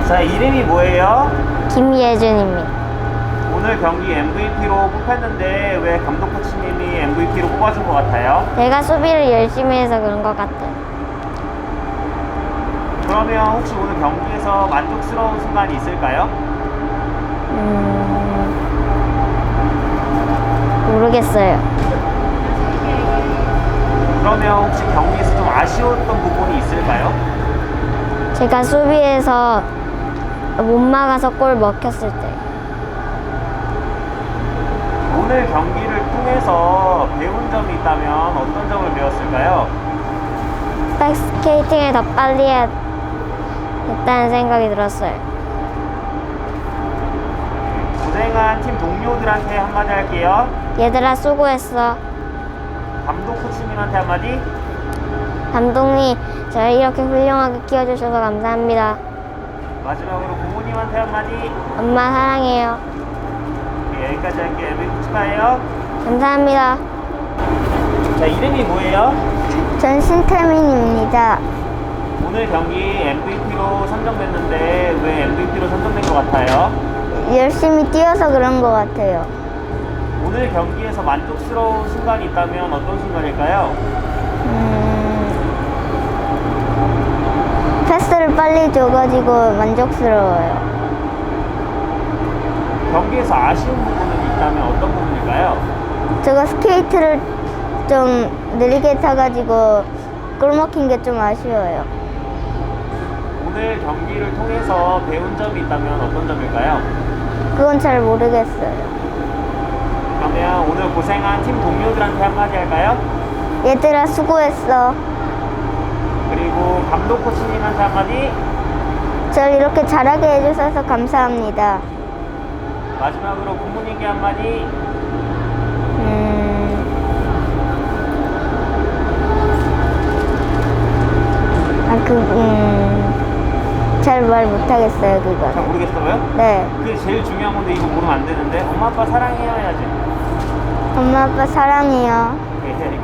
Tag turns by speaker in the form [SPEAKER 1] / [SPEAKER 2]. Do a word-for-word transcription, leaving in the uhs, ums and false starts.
[SPEAKER 1] 자, 이름이 뭐예요?
[SPEAKER 2] 김예준입니다.
[SPEAKER 1] 오늘 경기 엠브이피로 뽑혔는데 왜 감독 코치님이 엠브이피로 뽑아준 것 같아요?
[SPEAKER 2] 제가 수비를 열심히 해서 그런 것 같아요.
[SPEAKER 1] 그러면 혹시 오늘 경기에서 만족스러운 순간이 있을까요?
[SPEAKER 2] 음... 모르겠어요.
[SPEAKER 1] 그러면 혹시 경기에서 좀 아쉬웠던 부분이 있을까요?
[SPEAKER 2] 제가 수비에서 못 막아서 골 먹혔을 때.
[SPEAKER 1] 오늘 경기를 통해서 배운 점이 있다면 어떤 점을 배웠을까요?
[SPEAKER 2] 백스케이팅을 더 빨리 했다는 생각이 들었어요.
[SPEAKER 1] 고생한 팀 동료들한테 한마디 할게요.
[SPEAKER 2] 얘들아 수고했어.
[SPEAKER 1] 감독 코치님한테 한마디.
[SPEAKER 2] 감독님 저를 이렇게 훌륭하게 키워주셔서 감사합니다.
[SPEAKER 1] 마지막으로 부모님한테 한마디.
[SPEAKER 2] 엄마 사랑해요.
[SPEAKER 1] 네, 여기까지 할게요. 엠브이피 축하해요.
[SPEAKER 2] 감사합니다.
[SPEAKER 1] 자, 이름이 뭐예요?
[SPEAKER 2] 전 신태민입니다.
[SPEAKER 1] 오늘 경기 엠브이피로 선정됐는데 왜 엠브이피로 선정된 것 같아요?
[SPEAKER 2] 열심히 뛰어서 그런 것 같아요.
[SPEAKER 1] 오늘 경기에서 만족스러운 순간이 있다면 어떤 순간일까요?
[SPEAKER 2] 음... 패스를 빨리 줘가지고 만족스러워요.
[SPEAKER 1] 경기에서 아쉬운 부분은 있다면 어떤 부분일까요?
[SPEAKER 2] 제가 스케이트를 좀 느리게 타가지고 골 먹힌 게 좀 아쉬워요.
[SPEAKER 1] 오늘 경기를 통해서 배운 점이 있다면 어떤 점일까요?
[SPEAKER 2] 그건 잘 모르겠어요.
[SPEAKER 1] 그러면 오늘 고생한 팀 동료들한테 한마디 할까요?
[SPEAKER 2] 얘들아 수고했어.
[SPEAKER 1] 그리고 감독 코치님한테 한마디.
[SPEAKER 2] 절 이렇게 잘하게 해주셔서 감사합니다.
[SPEAKER 1] 마지막으로 부모님께 한마디.
[SPEAKER 2] 음... 아, 그, 음... 잘 말 못하겠어요,
[SPEAKER 1] 잘
[SPEAKER 2] 그거는.
[SPEAKER 1] 모르겠어요?
[SPEAKER 2] 네.
[SPEAKER 1] 그게 제일 중요한 건데 이거 모르면 안 되는데. 엄마 아빠 사랑해요 해야지.
[SPEAKER 2] 엄마, 아빠 사랑해요.
[SPEAKER 1] 네,